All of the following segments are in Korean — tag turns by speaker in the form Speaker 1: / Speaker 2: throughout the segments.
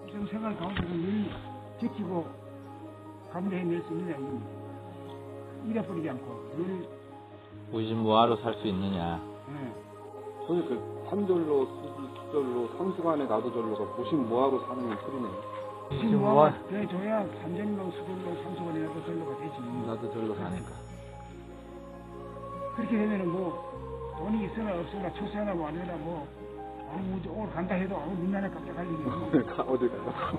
Speaker 1: 일상생활 가운데서 늘 지키고 감내해낼 수 있느냐 이겁니다. 잃어버리지 않고 늘
Speaker 2: 무신무화로 살 수 있느냐.
Speaker 3: 저는 그 산절로, 수절로, 상수간에 나도절로가 무신무화로 사는 소리네요.
Speaker 1: 무신무화가 돼줘야 삼전로, 수절로, 상수간에 나도절로가 되지.
Speaker 3: 나도절로 사니까.
Speaker 1: 그렇게 되면은 뭐 돈이 있으나 없으나 출세하나 뭐 아니나 뭐 아무 오늘 간다 해도 아무 민나나 깜짝할 일이 없고
Speaker 3: 어딜 가나.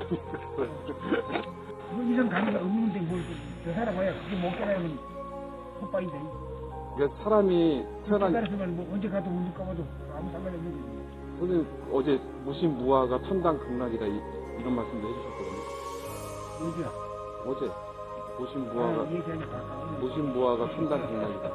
Speaker 1: 뭐 이상 가는 거 없는데 뭘저 사람 뭐야 그게 못 깨달으면 헛바인데.
Speaker 3: 그러니까 사람이 태어난
Speaker 1: 깨달았으면 뭐 언제 가도 언제 가봐도 아무 상관이 없는 거지.
Speaker 3: 선생님 어제 무신무화가 천당극락이다 이런 말씀도 해주셨거든요.
Speaker 1: 어디야?
Speaker 3: 어제 무신무화가
Speaker 1: 얘기하니까 아까
Speaker 3: 무신무화가 천당극락이다.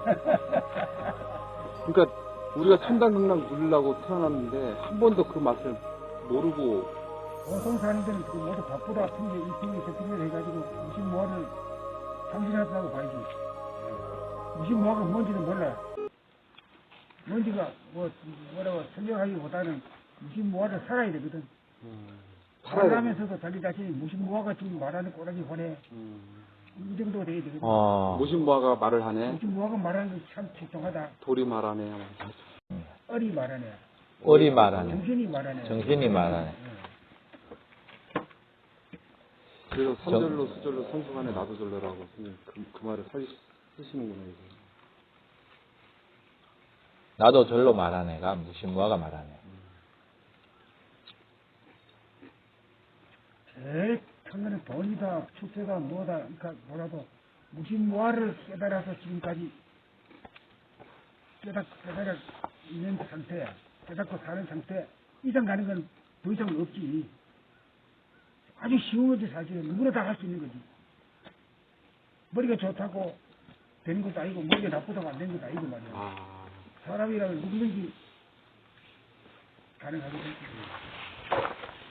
Speaker 3: 그러니까 우리가 천당극락 누리려고 태어났는데 한 번도 그 맛을 모르고
Speaker 1: 보통 사람들은 그 모두 바쁘다 핑계 이 핑계 저 핑계를 해가지고 무신무화를 상실하다고 봐야지. 무신무화가 뭔지는 몰라. 뭔지가 뭐라고 설명하기보다는 무신무화를 살아야 되거든. 살아가면서도 자기 자신이 무신무화가 지금 말하는 꼬라지 보내. 이 정도가 돼야 되거든.
Speaker 3: 무신무화가 말을 하네.
Speaker 1: 무신무화가 말하는 게 참 적정하다.
Speaker 3: 돌이 말하네.
Speaker 1: 어리 말하네.
Speaker 2: 어리 말하네.
Speaker 1: 정신이 말하네.
Speaker 2: 정신이 말하네.
Speaker 3: 그래서 산절로, 수절로, 상수간에 나도절로라고 선생님 그 말을 쓰시는구나 이제.
Speaker 2: 나도 절로 말하네가 무신무화가 말하네.
Speaker 1: 제일 큰 거는 돈이다, 출세다, 뭐다, 그러니까 뭐라도 무신무화를 깨달아서 지금까지 깨달아 있는 상태, 깨닫고 사는 상태 이상 가는 건 더 이상 없지. 아주 쉬운 거지 사실. 누구나 다 할 수 있는 거지. 머리가 좋다고 되는 것도 아니고 머리가 나쁘다고 안 되는 것도 아니고 말이야. 사람이라면 누구든지 가능하게 될 거지.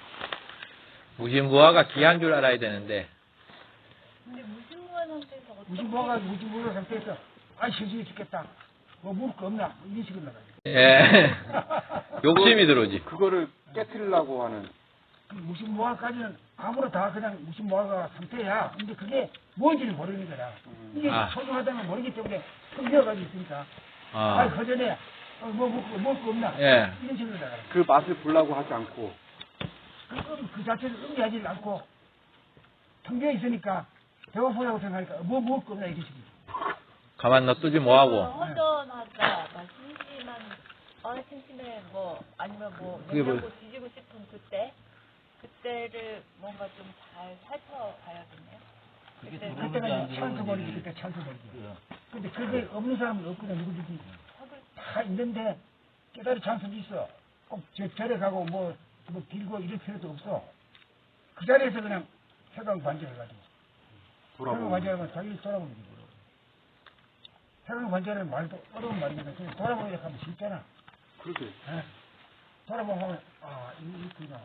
Speaker 2: 무신무화가 귀한 줄 알아야 되는데.
Speaker 4: 근데 무신무화 상태에서 어떻게
Speaker 1: 무신무화 상태에서 아 심심해 죽겠다. 뭐 먹을 거 없나? 뭐 이런 식으로 나가지.
Speaker 2: 예. 욕심이 들어오지.
Speaker 3: 그거를 깨트리려고 하는.
Speaker 1: 무신무화까지는 아무나 다 그냥 무신무화가 상태야. 근데 그게 뭔지를 모르는 거라. 이게 소중하다는 모르기 때문에 흘려가지고 있으니까. 허전해. 뭐 먹을 거 없나?
Speaker 2: 예.
Speaker 1: 이런 식으로 나가라.
Speaker 3: 그 맛을 보려고 하지 않고.
Speaker 1: 그 자체를 의미하지 않고 텅 비어 있으니까 배고프다고 생각하니까 뭐 먹을 거 없나 이런 식으로.
Speaker 2: 가만 놔두지 뭐하고.
Speaker 4: 허전하다, 심심한, 심심해, 뭐 아니면 뭐 냉장고 뒤지고 싶은 그때를 뭔가 좀 잘 살펴봐야겠네요.
Speaker 1: 그때가 찬스버리지, 그때 찬스버리지. 근데 그게 없는 사람은 없거든, 누구든지. 다 있는데 깨달을 찬스도 있어. 꼭 절에 가고 뭐 빌고 이럴 필요도 없어. 그 자리에서 그냥 해강 관절해가지고. 해강 관절하면 자기를 돌아보는 거지. 해강 관절은 말도 어려운 말인데 그냥 돌아보기로 하면 쉽잖아.
Speaker 3: 그렇게.
Speaker 1: 돌아보면 이구나.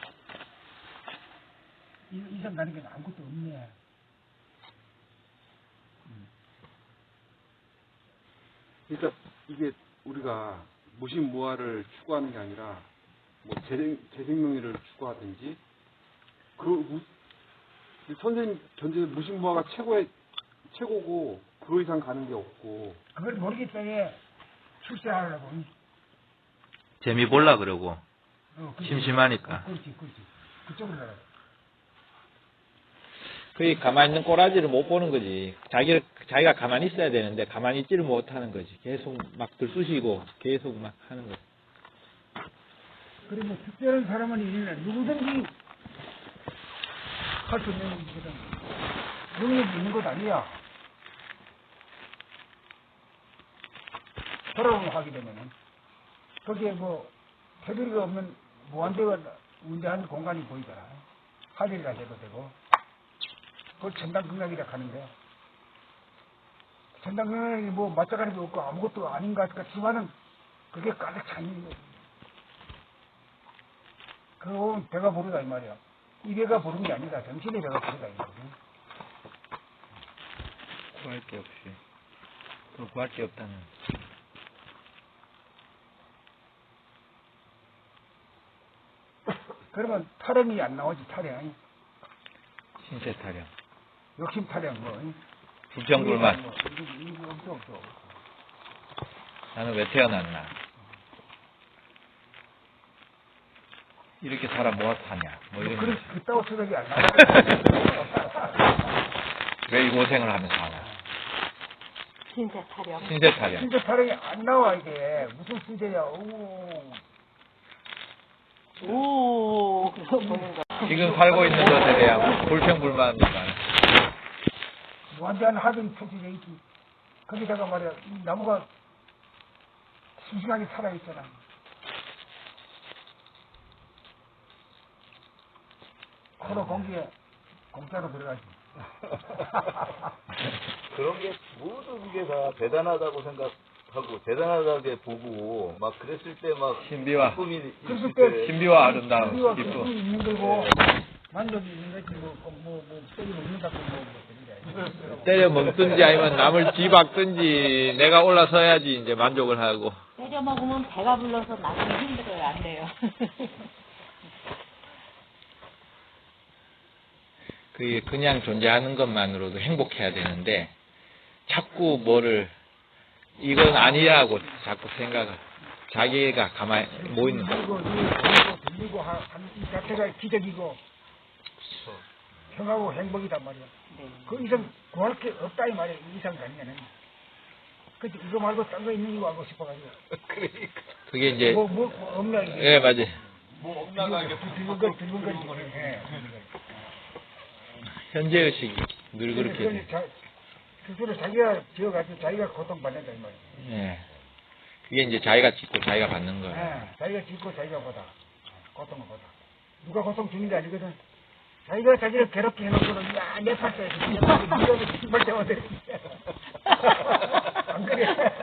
Speaker 1: 이상 가는 게 아무것도 없네.
Speaker 3: 그러니까 이게 우리가 무신무화를 추구하는 게 아니라 뭐 재생명의를 추구하든지 선생님 견제 무신무화가 최고고 그 이상 가는 게 없고
Speaker 1: 그걸 모르기 때문에 출세하려고.
Speaker 2: 재미 볼라 그러고. 심심하니까.
Speaker 1: 그렇지. 그쪽으로 나가.
Speaker 2: 그게 가만히 있는 꼬라지를 못 보는 거지. 자기가 가만히 있어야 되는데 가만히 있지를 못하는 거지. 계속 막 들쑤시고 계속 막 하는 거지.
Speaker 1: 그리고 특별한 사람은 있는 누구든지 할 수 있는 거거든. 능력이 있는 것 아니야. 돌아오면 하게 되면은 거기에 뭐 테두리가 없는 무한대가 운대한 공간이 보이잖아. 하늘이라 해도 되고. 그걸 천당극락이라 하는데 천당극락이 뭐 맞춰가는 게 없고 아무것도 아닌 것 같지만은 그게 가득 차 있는 거지. 그건 배가 부르다 이 말이야. 이 배가 부른 게 아니다. 정신의 배가 부르다 이 말이야.
Speaker 2: 구할 게 없이. 그걸 구할 게 없다는.
Speaker 1: 그러면 타령이 안 나오지, 타령.
Speaker 2: 신체 타령.
Speaker 1: 욕심 타령, 뭐.
Speaker 2: 불평불만.
Speaker 1: 이거 없어.
Speaker 2: 나는 왜 태어났나? 이렇게 살아 뭐하러 사냐? 뭐 이런.
Speaker 1: 그런, 그따고 생각이 안 나와.
Speaker 2: 왜 이 고생을 하면서 사나?
Speaker 4: 신세 타령.
Speaker 2: 신체 타령.
Speaker 1: 신체 타령이 안 나와, 이게. 무슨 신체야,
Speaker 4: 오, 그거 보는 거.
Speaker 2: 지금 살고 있는 것에 대한 불평불만이 많아.
Speaker 1: 완전 하등이 펼쳐져 있지. 거기다가 말이야, 이 나무가 싱싱하게 살아있잖아. 코로 공기에 공짜로 들어가지.
Speaker 5: 그런 게 모든 게 다 대단하다고 생각하고 대단하게 보고 막 그랬을 때 막
Speaker 2: 신비와
Speaker 5: 꿈이
Speaker 1: 그랬을
Speaker 5: 있을
Speaker 1: 때
Speaker 5: 때
Speaker 2: 신비와 아름다움,
Speaker 1: 신비와
Speaker 2: 기쁨.
Speaker 1: 기쁨이 있는 거고, 만족이 있는 거지, 때리 먹는다고 그런 게.
Speaker 2: 때려 먹든지 아니면 남을 뒤박든지 내가 올라서야지 이제 만족을 하고.
Speaker 4: 때려 먹으면 배가 불러서 나중에 힘들어요. 안 돼요.
Speaker 2: 그게 그냥 존재하는 것만으로도 행복해야 되는데 자꾸 뭐를 이건 아니라고 자꾸 생각을 자기가 가만히 뭐 있는 거야.
Speaker 1: 들리고 이 자체가 기적이고 평하고 행복이단 말이야. 그 이상 구할 게 없다 이 말이야. 이 이상 가능해는. 그치 이거 말고 딴 거 있는 거 알고 싶어가지고.
Speaker 2: 그게 이제
Speaker 1: 뭐 없나 이게.
Speaker 2: 예 맞아.
Speaker 5: 뭐 엉망하게
Speaker 1: 들은 거. 예.
Speaker 2: 현재 의식이 늘 그렇게 돼.
Speaker 1: 스스로 자기가 지어가지고 자기가 고통받는다 이 말이야.
Speaker 2: 예. 그게 이제 자기가 짓고 자기가 받는 거야.
Speaker 1: 예. 자기가 짓고 자기가 보다. 고통을 보다. 누가 고통 주는 게 아니거든. 자기가 자기를 괴롭게 해놓고는 야내 팔자에서 니가 정말 대화돼. 안 그래?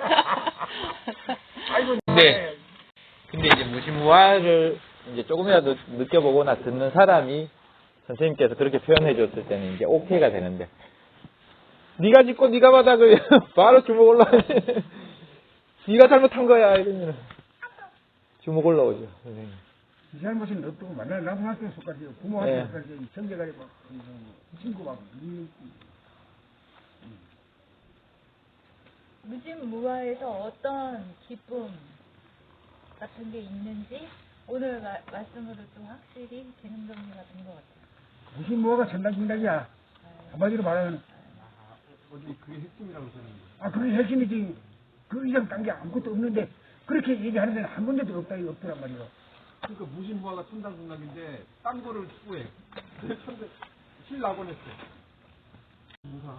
Speaker 1: 아이고.
Speaker 2: 근데 이제 무시무화를 이제 조금이라도 느껴보거나 듣는 사람이 선생님께서 그렇게 표현해 줬을 때는 이제 오케이가 되는데 네가 짓고 네가 받아 그 바로 주먹 올라오지. 네가 잘못한 거야 이러면 주먹 올라오죠 선생님.
Speaker 1: 이 잘못은 없고 나무한테 속까지 부모한테 속까지 형제가 막 친구 막
Speaker 4: 무진무화에서 어떤 기쁨 같은 게 있는지 오늘 말씀으로 좀 확실히 기능 정리가 된 것 같아요.
Speaker 1: 무슨 뭐가 전당진당이야. 한마디로 말하면
Speaker 3: 그게 핵심이라고 생각해요.
Speaker 1: 그게 핵심이지. 그 이상 딴 게 아무것도 없는데 그렇게 얘기하는 데는 한 군데도 없더란 말이야.
Speaker 3: 그러니까 무신무화가 천당중락인데 딴 거를 추구해. 신락원 했어. 무사.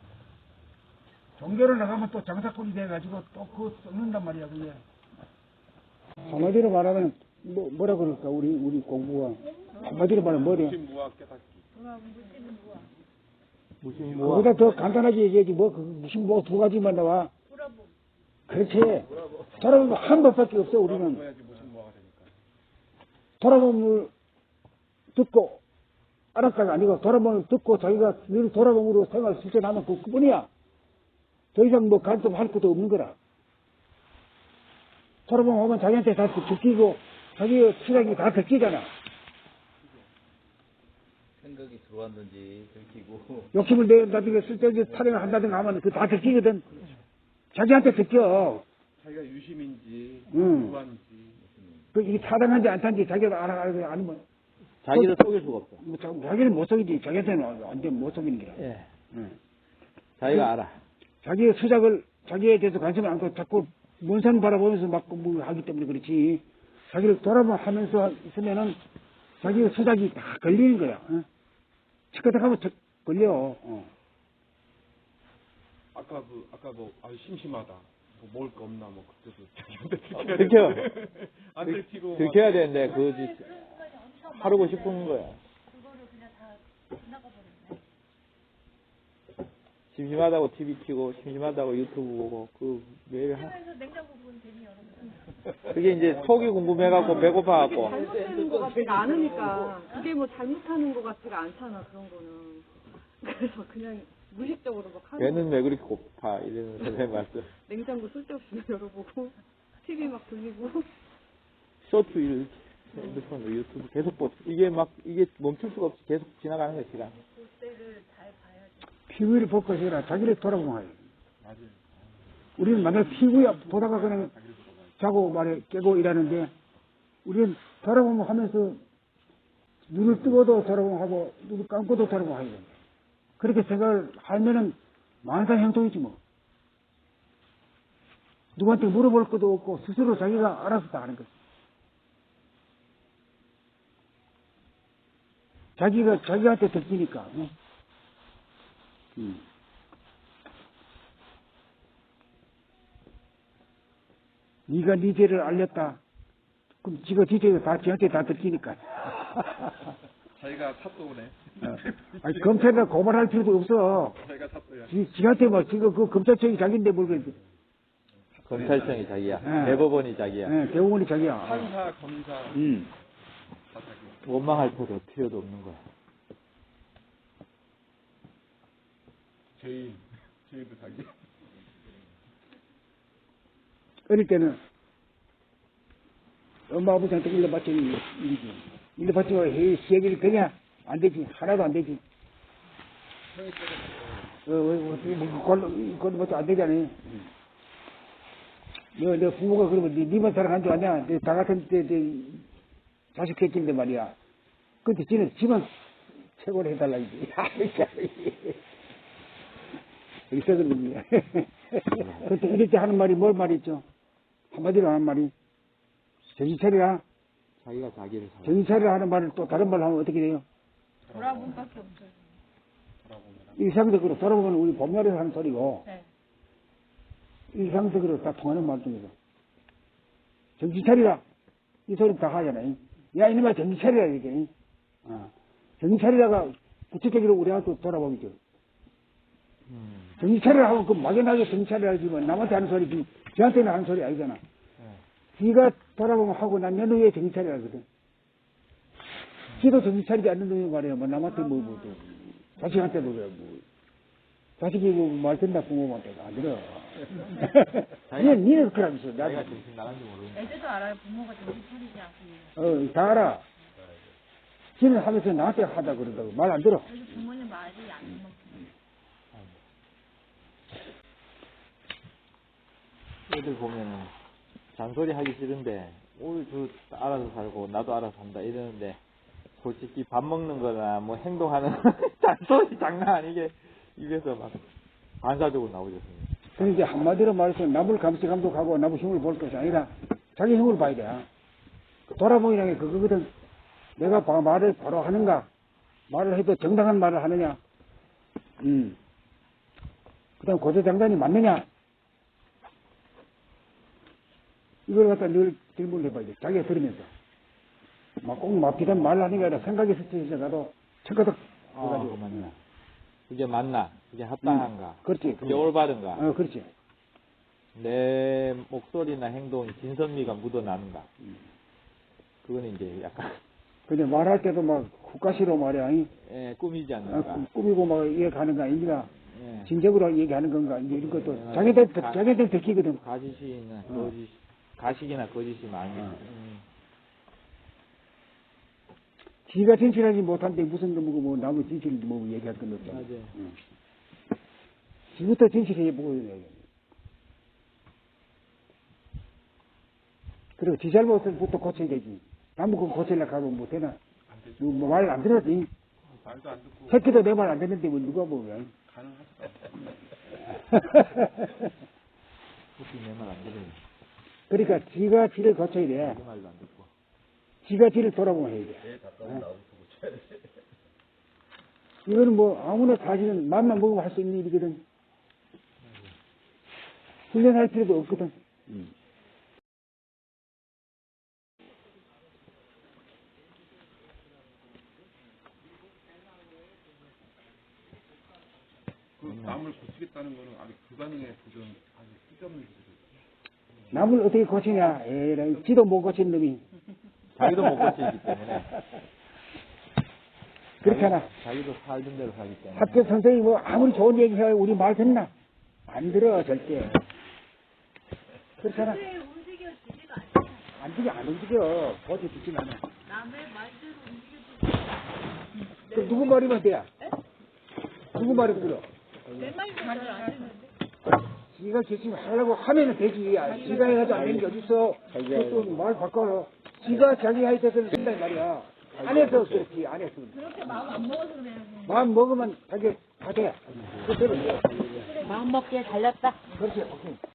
Speaker 1: 종교를 나가면 또 장사꾼이 돼가지고 또 그거 썩는단 말이야 그게. 한마디로 말하면 뭐라 그럴까 우리 공부가 한마디로 말하면 뭐래?
Speaker 3: 무신무화 깨닫기.
Speaker 1: 무신무화. 그보다 더 간단하게 얘기하지 무슨 뭐 두 가지만 나와. 그렇지. 돌아보면 한 법밖에 없어 우리는. 돌아봄을 듣고 알았다가 아니고 돌아봄을 듣고 자기가 늘 돌아봄으로 생활 실천하면 그뿐이야. 더 이상 뭐 간섭할 것도 없는 거라. 돌아봄 오면 자기한테 다 듣기고 자기의 생각이 다 듣기잖아.
Speaker 5: 생각이 들어왔는지 들키고
Speaker 1: 욕심을 내다든가 쓸데없이 타령을 한다든가 하면 그거 다 듣기거든. 자기한테 듣겨.
Speaker 3: 자기가 유심인지
Speaker 1: 응.
Speaker 3: 무한인지.
Speaker 1: 이게 타당한지 안 타는지 자기가 알면
Speaker 2: 자기를 속일 수가 없어.
Speaker 1: 자기는 못 속이지. 자기한테는 완전 못 속이는 거야.
Speaker 2: 예.
Speaker 1: 응.
Speaker 2: 자기가 알아.
Speaker 1: 자기의 수작을 자기에 대해서 관심을 안 갖고 자꾸 먼 산 바라보면서 막 하기 때문에 그렇지. 자기를 돌아보면서 있으면은 자기의 수작이 다 걸리는 거야. 치과다 가면 걸려.
Speaker 3: 아까 심심하다. 뭐 먹을 거 없나 뭐 그때도 자기한테 들켜야
Speaker 2: 들켜.
Speaker 3: 안 들키고
Speaker 2: 들켜야 되는데 그거지. 하루고 싶은 거야.
Speaker 4: 그거를 그냥 다 지나가 버렸네.
Speaker 2: 심심하다고 TV 켜고 심심하다고 유튜브 보고 그 매일
Speaker 4: 그래서 냉장고 보는 재미 여러분.
Speaker 2: 그게 이제 속이 궁금해갖고 배고파갖고
Speaker 6: 잘못되는 것 같지가 않으니까 그게 뭐 잘못하는 것 같지가 않잖아 그런 거는. 그래서 그냥 무의식적으로 막 하는
Speaker 2: 배는 왜 그렇게 고파 이러는 선생님 말씀.
Speaker 6: 냉장고 쓸데없이 열어보고 TV 막 돌리고
Speaker 2: 쇼트 이렇게 핸드폰, 유튜브 계속 이게 멈출 수가 없이 계속 지나가는 거야, 시간.
Speaker 4: 그때를 잘 봐야지.
Speaker 1: TV를 볼 것이라 자기를 돌아보면 해요. 우리는 만약 TV야 보다가 그냥 자고 말해 깨고 일하는데 우리는 돌아보면 하면서 눈을 뜨고도 돌아보면 하고 눈을 감고도 돌아보면 하거든요. 그렇게 생각을 하면은 만사 행동이지 뭐. 누구한테 물어볼 것도 없고 스스로 자기가 알아서 다 하는 거지. 자기가 자기한테 들키니까. 네가 네 죄를 알렸다. 그럼 지가 네 죄가 다 지한테 다 들키니까.
Speaker 3: 자기가 탑도네.
Speaker 1: 아니 검찰이나 고발할 필요도 없어.
Speaker 3: 자기가 탑도야.
Speaker 1: 지한테 뭐 지금 그 검찰청이 자기인데 뭘 그래.
Speaker 2: 검찰청이 자기야.
Speaker 1: 네.
Speaker 2: 대법원이 자기야.
Speaker 1: 네, 대법원이 자기야.
Speaker 3: 판사, 검사 다 자기.
Speaker 2: 원망할 필요도 없는 거야.
Speaker 3: 죄인도 자기.
Speaker 1: 어릴 때는 엄마 아버지한테 일러 바치는 일이지. 일러 바치고 시행일 되냐? 안 되지. 하나도 안 되지. 그건 뭐안 되잖아요. 너 부모가 그러면 니만 살아간 줄 아냐? 다 같은 때 자식 새끼인데 말이야. 근데 지는 지만 최고로 해달라 이제. 있어거든요. 그때 이럴 때 하는 말이 뭘 말이죠? 한마디로 하는 말이 정신 차리라.
Speaker 2: 자기가 자기를 살.
Speaker 1: 정신 차리라 하는 말을 또 다른 말로 하면 어떻게 돼요?
Speaker 4: 돌아본밖에 없어요.
Speaker 1: 일상적으로 돌아보면 우리 봄날에서 하는 소리고
Speaker 4: 네.
Speaker 1: 일상적으로 다 통하는 말 중에서 정신 차리라 이 소리 다 하잖아요. 야 이놈아 정신 차리라 이게. 정신 차리라가 구체적으로 우리한테 돌아보겠죠. 정신 차리라 하고 그 막연하게 정신 차리라 하지만 남한테 하는 소리 저한테는 하는 소리 아니잖아. 지가 돌아보면 하고 난 연후에 정신 차리라 하거든. 지도 정신 차리지 않는 놈이 말이야. 뭐 남한테 자식한테도 그래. 자식이 말 듣나 부모한테 안 들어. 니는 그러면서
Speaker 2: 자기가 정신 나간지 모르는.
Speaker 4: 애들도 알아요. 부모가 정신 차리지 않고.
Speaker 1: 다 알아. 지는 하면서 나한테 하다 그런다고 말 안 들어.
Speaker 4: 그래서 부모님 말이 안 먹고.
Speaker 2: 애들 보면은 잔소리 하기 싫은데 저 알아서 살고 나도 알아서 산다 이러는데 솔직히 밥 먹는 거나 뭐 행동하는 잔소리 장난 아니게 입에서 막 반사적으로 나오죠.
Speaker 1: 그러니까 한마디로 말해서 남을 감독하고 남의 힘을 볼 것이 아니라 자기 힘을 봐야 돼. 돌아보기라는 게 그거거든. 내가 말을 바로 하는가, 말을 해도 정당한 말을 하느냐, 그 다음 고조장단이 맞느냐, 이걸 갖다 늘 질문을 해봐야 돼. 자기가 들으면서. 꼭 비단 말을 하는 게 아니라 생각이 스쳐서 나도 척가덕 해가지고.
Speaker 2: 맞나. 그게 맞나? 그게 합당한가?
Speaker 1: 그렇지.
Speaker 2: 그게 올바른가?
Speaker 1: 그렇지.
Speaker 2: 내 목소리나 행동이 진선미가 묻어나는가? 그거는 이제 약간.
Speaker 1: 근데 말할 때도 막 국가시로 말이야.
Speaker 2: 예, 꾸미지 않는가?
Speaker 1: 꾸미고 막 얘기하는 거 아닌가?
Speaker 2: 예.
Speaker 1: 진정으로 얘기하는 건가? 이제 이런 것도 자기들 들키거든.
Speaker 2: 가시나 거짓, 가식이나 거짓이 많이.
Speaker 1: 지가 진실하지 못한데 무슨 뭐 남의 진실을 뭐 얘기할 건 없잖아.
Speaker 2: 맞아요.
Speaker 1: 지부터 진실해 보고 얘기해. 그리고 지 잘못부터 고쳐야 되지. 남의 거 고치려고 하면 못 되나? 뭐 말 안 들었지?
Speaker 3: 말도 안 듣고
Speaker 1: 새끼도 내 말 안 듣는데 뭐 누가 보면.
Speaker 2: 혹시 내 말 안 들으면
Speaker 1: 그러니까 지가 지를 고쳐야 돼.
Speaker 2: 내 말도 안 듣고.
Speaker 1: 지가 지를 돌아보면 해야 돼. 이거는 뭐 아무나 사실은 맘만 먹으면 할 수 있는 일이거든. 훈련할 필요도 없거든.
Speaker 3: 남을 고치겠다는 거는 아직 불가능해 도전 아직 쓸데없는 짓이죠.
Speaker 1: 남을 어떻게 고치냐? 에라이, 지도 못 고친 놈이.
Speaker 2: 자기도 못 고치기 때문에.
Speaker 1: 그렇잖아.
Speaker 2: 자기도 살던 대로 살기 때문에.
Speaker 1: 학교 선생님이 뭐 아무리 좋은 얘기 해야 우리 말 듣나? 안 들어, 절대. 그렇잖아.
Speaker 4: 움직여지지가 않잖아요.
Speaker 1: 안 움직여. 고쳐 듣진 않아. 그 누구 말이면 돼야? 누구 말이 들어? 지가 결심을 하려고 하면은 되지. 지가 해야지 안 되는 게 어딨어. 그것도 말 바꿔. 지가 자기 할 때서는 된단 말이야. 안 해서 그렇지, 안 했으면. 그렇게 마음 안 먹어서 그래야지. 마음 먹으면 자기 다 돼. 그대로 돼.
Speaker 4: 마음 먹기에 달렸다.
Speaker 1: 그렇지, 오케이.